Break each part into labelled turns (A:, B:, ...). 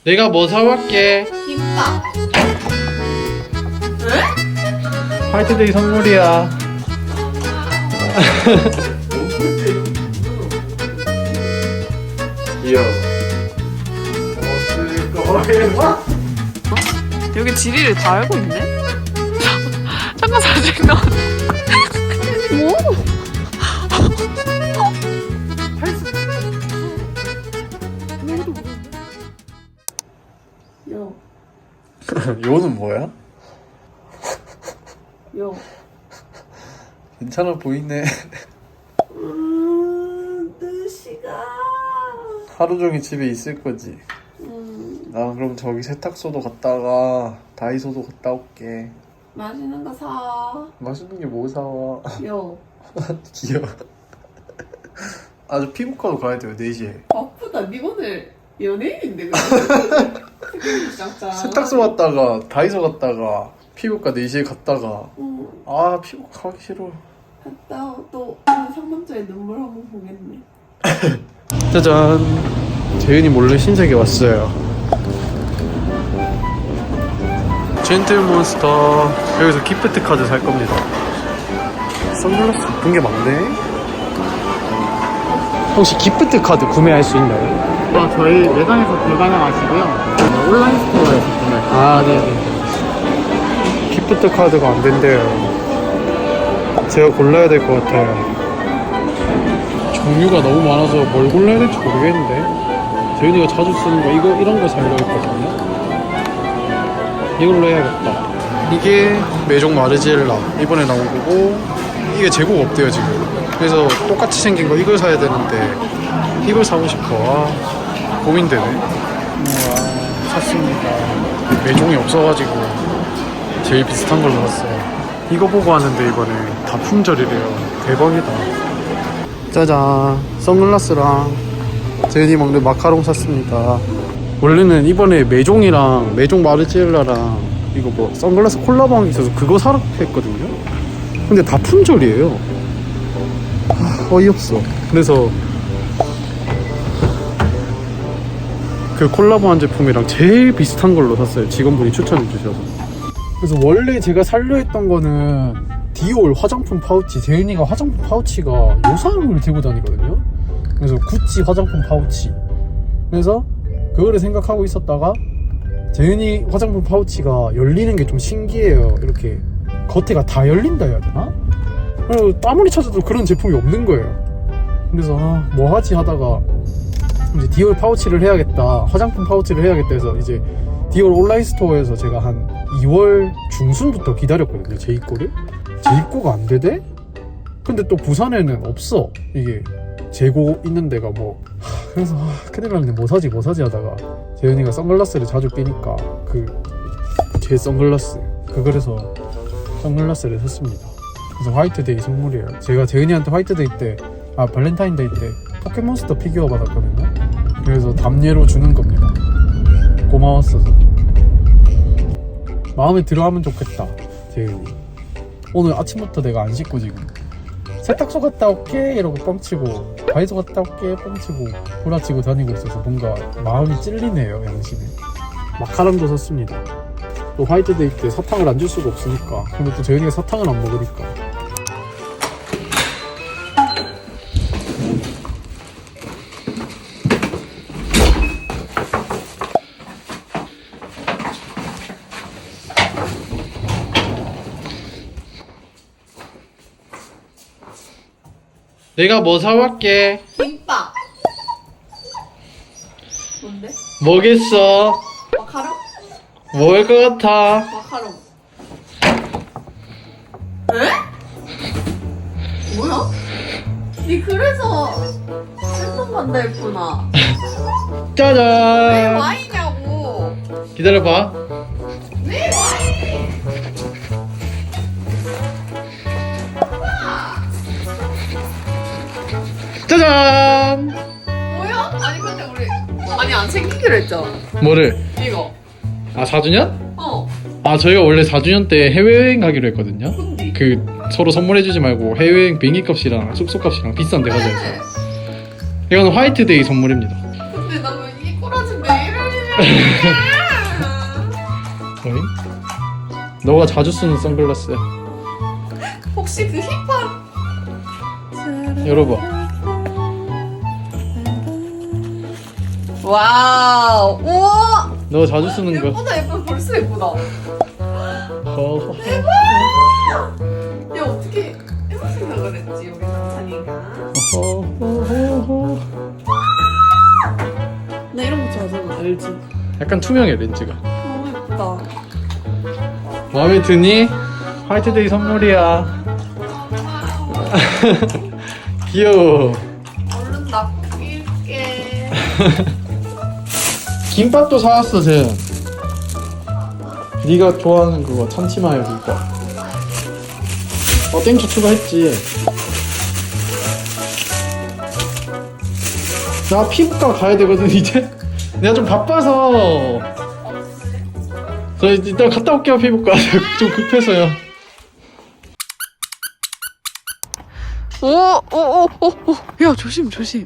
A: 내가 뭐 사올게?
B: 김밥. 왜?
A: 화이트데이 선물이야. 귀여워.
B: 여기 지리를 다 알고 있네? 잠깐 사진 나. 뭐? 요,
A: 요는 뭐야?
B: 요.
A: 괜찮아 보이네.
B: 2시간.
A: 하루 종일 집에 있을 거지. 나 그럼 저기 세탁소도 갔다가 다이소도 갔다 올게.
B: 맛있는 거 사.
A: 맛있는 게 뭐 사와?
B: 요.
A: 귀여워. 아주 피부과도 가야 돼요 4시에.
B: 바쁘다. 니 오늘 연예인인데 그래.
A: 세탁소 갔다가 다이소 갔다가 피부과 4시에 갔다가 아 피부과 가기 싫어.
B: 갔다 또 상남자의 눈물 한번 보겠네.
A: 짜잔. 재윤이 몰래 신세계 왔어요. 젠틀몬스터. 여기서 기프트 카드 살 겁니다. 선글라스 예쁜 게 많네. 혹시 기프트 카드 구매할 수 있나요?
C: 저희 매장에서 불가능하시고요. 온라인 스토어에서 구매할 수 있어요.
A: 아, 네네. 기프트 카드가 안 된대요. 제가 골라야 될 것 같아요. 종류가 너무 많아서 뭘 골라야 될지 모르겠는데. 재윤이가 자주 쓰는 거 이런 거 살려고 했거든요. 이걸로 해야겠다. 이게 메종 마르지엘라 이번에 나온 거고, 이게 재고가 없대요 지금. 그래서 똑같이 생긴 거 이걸 사야 되는데 이걸 사고 싶어. 아, 고민되네. 우와, 샀습니다. 메종이 없어가지고 제일 비슷한 걸로 샀어요. 이거 보고 하는데 이번에 다 품절이래요. 대박이다. 짜잔, 선글라스랑 제니 먹는 마카롱 샀습니다. 원래는 이번에 메종이랑 메종 마르지엘라랑 이거 뭐 선글라스 콜라보한 게 있어서 그거 사러 했거든요. 근데 다 품절이에요. 어이없어. 그래서 그 콜라보한 제품이랑 제일 비슷한 걸로 샀어요. 직원분이 추천해 주셔서. 그래서 원래 제가 살려 했던 거는 디올 화장품 파우치. 재윤이가 화장품 파우치가 요상을 들고 다니거든요. 그래서 구찌 화장품 파우치. 그래서 그거를 생각하고 있었다가 재윤이 화장품 파우치가 열리는 게 좀 신기해요. 이렇게 겉에가 다 열린다 해야 되나? 그리고 아무리 찾아도 그런 제품이 없는 거예요. 그래서 뭐 하지 하다가 이제 디올 파우치를 해야겠다, 화장품 파우치를 해야겠다 해서 이제 디올 온라인 스토어에서 제가 한 2월 중순부터 기다렸거든요. 재입고를. 재입고가 안 되대? 근데 또 부산에는 없어. 이게 재고 있는 데가 뭐. 그래서 큰일 났네. 뭐 사지 하다가 재윤이가 선글라스를 자주 끼니까 제 선글라스 그래서 선글라스를 샀습니다. 그래서 화이트데이 선물이에요. 제가 재은이한테 화이트데이 때, 발렌타인데이 때 포켓몬스터 피규어 받았거든요. 그래서 답례로 주는 겁니다. 고마웠어서. 마음에 들어하면 좋겠다, 재은이. 오늘 아침부터 내가 안 씻고 지금 세탁소 갔다 올게 이러고 뻥치고 다이소 갔다 올게 뻥치고 구라치고 다니고 있어서 뭔가 마음이 찔리네요, 양심에. 마카롱도 샀습니다. 또 화이트데이 때 사탕을 안 줄 수가 없으니까. 근데 또 재은이가 사탕을 안 먹으니까. 내가 뭐 사올게?
B: 김밥. 뭔데?
A: 뭐겠어?
B: 마카롱?
A: 먹을 것 같아.
B: 마카롱. 에? 뭐야? 니 그래서 슬픔 간다 했구나. 왜
A: 짜잔.
B: 와이냐고.
A: 기다려봐.
B: 왜 와이?
A: 짜잔.
B: 뭐야? 아니 근데 우리 안 챙기기로 했잖아.
A: 뭐를?
B: 이거.
A: 4주년?
B: 어.
A: 저희가 원래 4주년 때 해외여행 가기로 했거든요.
B: 근데.
A: 서로 선물해주지 말고 해외여행 비행기값이랑 숙소값이랑 비싼 데 가자 해서. 이건 화이트데이 선물입니다.
B: 근데 나 왜 이 꼬라진데 이럴 일이야.
A: 어이? 너가 자주 쓰는 선글라스야.
B: 혹시 그 힙합?
A: 열어봐.
B: 와우. 우와.
A: 너가 자주 쓰는 거.
B: 예쁘다 예쁘다. 벌써 예쁘다.
A: 허허허.
B: 야 어떻게 이런 생각을 했지 우리 남산이가.
A: 허허허허.
B: 나 이런 거 좋아하잖아. 알지?
A: 약간 투명해 렌즈가.
B: 너무 예쁘다.
A: 마음에 드니? 화이트데이 선물이야. 귀여워.
B: 얼른 낚일게.
A: 김밥도 사왔어 쟤. 네가 좋아하는 그거 참치마요 김밥. 땡초 추가했지. 나 피부과 가야 되거든 이제. 내가 좀 바빠서. 저 이따 갔다 올게요 피부과. 좀 급해서요.
B: 오오오오오. 야 조심 조심.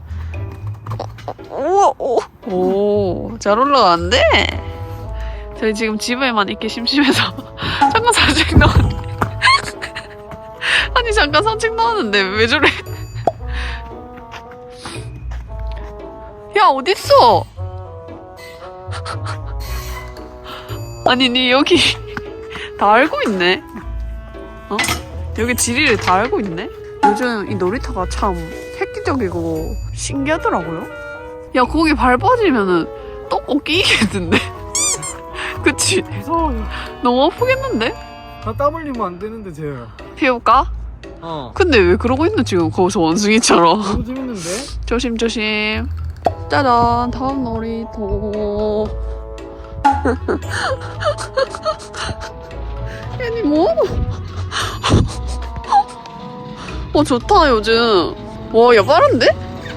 B: 오잘 올라가는데? 저희 지금 집에만 있기 심심해서 잠깐 산책 나왔는데 아니 잠깐 산책 나왔는데 왜 저래? 야 어딨어? 아니 니 여기 다 알고 있네? 어? 여기 지리를 다 알고 있네? 요즘 이 놀이터가 참 획기적이고 신기하더라고요. 야 거기 발 빠지면은 똥꼬 끼겠는데? 그치?
A: 무서워요.
B: 너무 아프겠는데?
A: 나 땀 흘리면 안 되는데 쟤.
B: 피울까? 근데 왜 그러고 있노 지금 거기서 원숭이처럼.
A: 너무 재밌는데?
B: 조심조심. 짜잔 다음 놀이터. 애니 뭐? 좋다 요즘. 와 야 빠른데?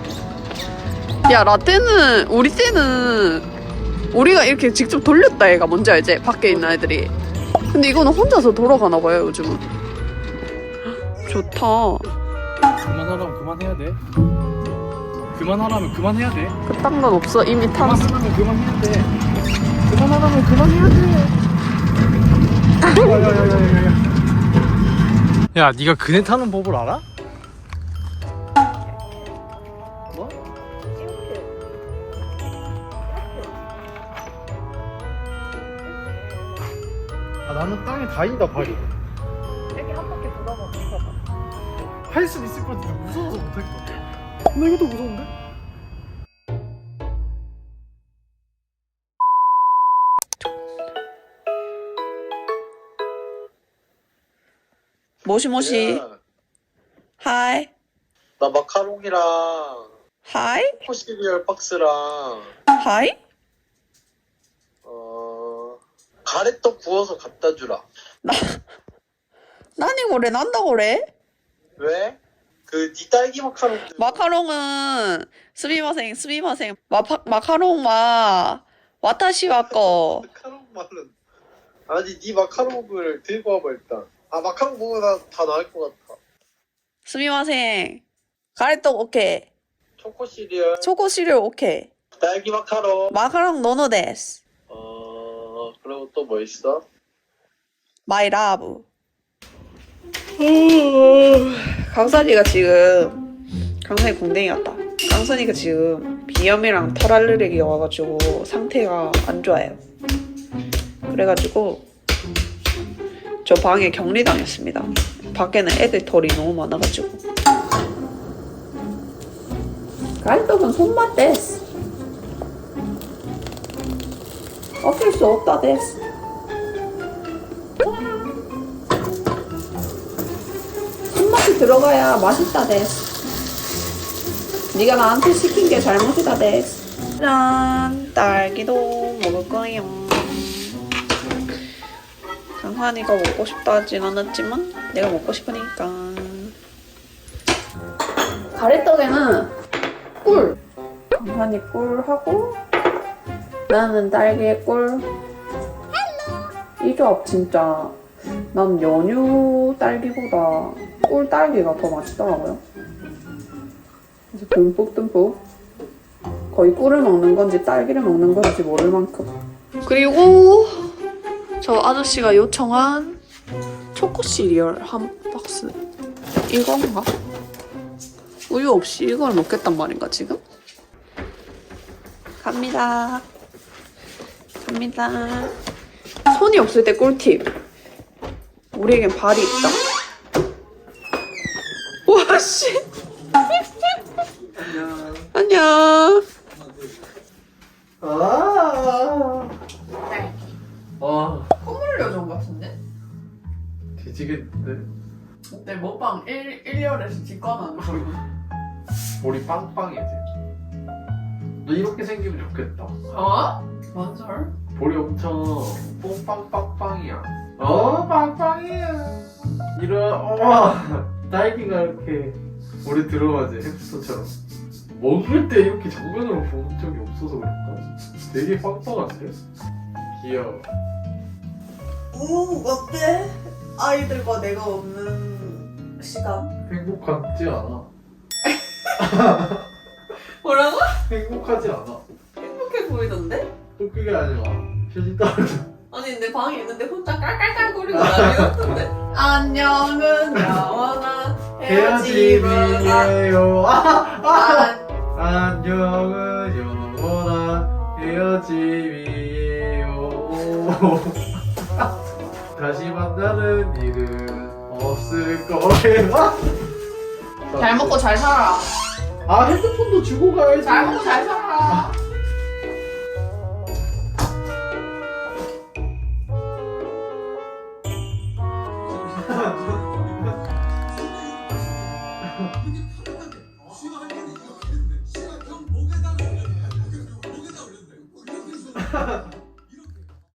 B: 야 라떼는 우리 때는 우리가 이렇게 직접 돌렸다 애가 뭔지 알지? 밖에 있는 애들이. 근데 이거는 혼자서 돌아가나 봐요 요즘은. 좋다.
A: 그만하라면 그만해야 돼. 그만하라면 그만해야 돼.
B: 그딴 건 없어 이미 타봤어.
A: 그만하라면 그만해야 돼. 그만하라면 그만해야 돼. 야, 네가 그네 타는 법을 알아? 뭐? 아, 나는 땅에 닿인다 발이.
B: 여기 한 바퀴 돌아봐.
A: 할 수 있을 것 같은데 무서워서 못할 것 같아. 나 이것도 무서운데?
B: 모시모시.
D: 야,
B: 하이.
D: 나 마카롱이랑
B: 하이.
D: 초코 시리얼 박스랑
B: 하이.
D: 가래떡 구워서 갖다 주라.
B: 나니 그래 난다 그래?
D: 왜? 그 니 딸기 마카롱.
B: 마카롱은 스미마생 마카롱 와 와타시와 거.
D: 마카롱 말은 아니 니 마카롱을 들고 와봐 일단. 아 마카롱 먹으면 다 나을 것 같아.
B: 스미마생 가래떡 오케이.
D: 초코 시리얼.
B: 초코 시리얼 오케이.
D: 딸기 마카롱.
B: 마카롱 노노 데스.
D: 그리고 또 뭐 있어?
B: 마이 라브. 강산이가 지금 강산이 공댕이 같다. 강산이가 지금 비염이랑 털 알레르기가 와가지고 상태가 안 좋아요. 그래가지고 저 방에 격리당했습니다. 밖에는 애들 털이 너무 많아가지고. 가래떡은 손맛 데스. 어쩔 수 없다 데스. 손맛이 들어가야 맛있다 데스. 네가 나한테 시킨 게 잘못이다 데스. 짠, 딸기도 먹을 거예요. 강환이가 먹고 싶다 하진 않았지만 내가 먹고 싶으니까. 가래떡에는 꿀. 강환이 꿀하고 나는 딸기에 꿀. 이 조합 진짜 난 연유 딸기보다 꿀 딸기가 더 맛있더라고요. 그래서 듬뿍듬뿍 거의 꿀을 먹는 건지 딸기를 먹는 건지 모를 만큼. 그리고 저 아저씨가 요청한 초코 시리얼 한 박스. 이건가? 우유 없이 이걸 먹겠단 말인가 지금? 갑니다. 갑니다. 손이 없을 때 꿀팁. 우리에겐 발이 있다. 와 씨. 안녕. 콧물 요정 같은데?
A: 뒤지겠는데?
B: 어때 먹방 1열에서 직관하는 소리.
A: 볼이 빵빵해지. 너 이렇게 생기면 좋겠다.
B: 어? 뭔 설?
A: 볼이 엄청 뽕빵빵빵이야. 빵빵이야. 딸기가 이렇게 볼에 들어가지, 햄스터처럼. 먹을 때 이렇게 정면으로 본 적이 없어서 그럴까? 되게 빵빵한데? 귀여워.
B: 어때? 아이들과 내가 없는 시간.
A: 행복하지 않아.
B: 뭐라고?
A: 행복하지 않아.
B: 행복해 보이던데?
A: 또 그게 아니라 표지 떨어져.
B: 아니 내 방에 있는데 혼자 깔깔깔거리고 난리났던데. 안녕은 영원한 헤어짐이에요.
A: 안녕은 영원한 헤어짐이에요. 다시 만나는 일은 없을 거예요.
B: 잘 먹고 잘 살아.
A: 아, 핸드폰도 주고 가야지.
B: 잘 먹고 잘 살아.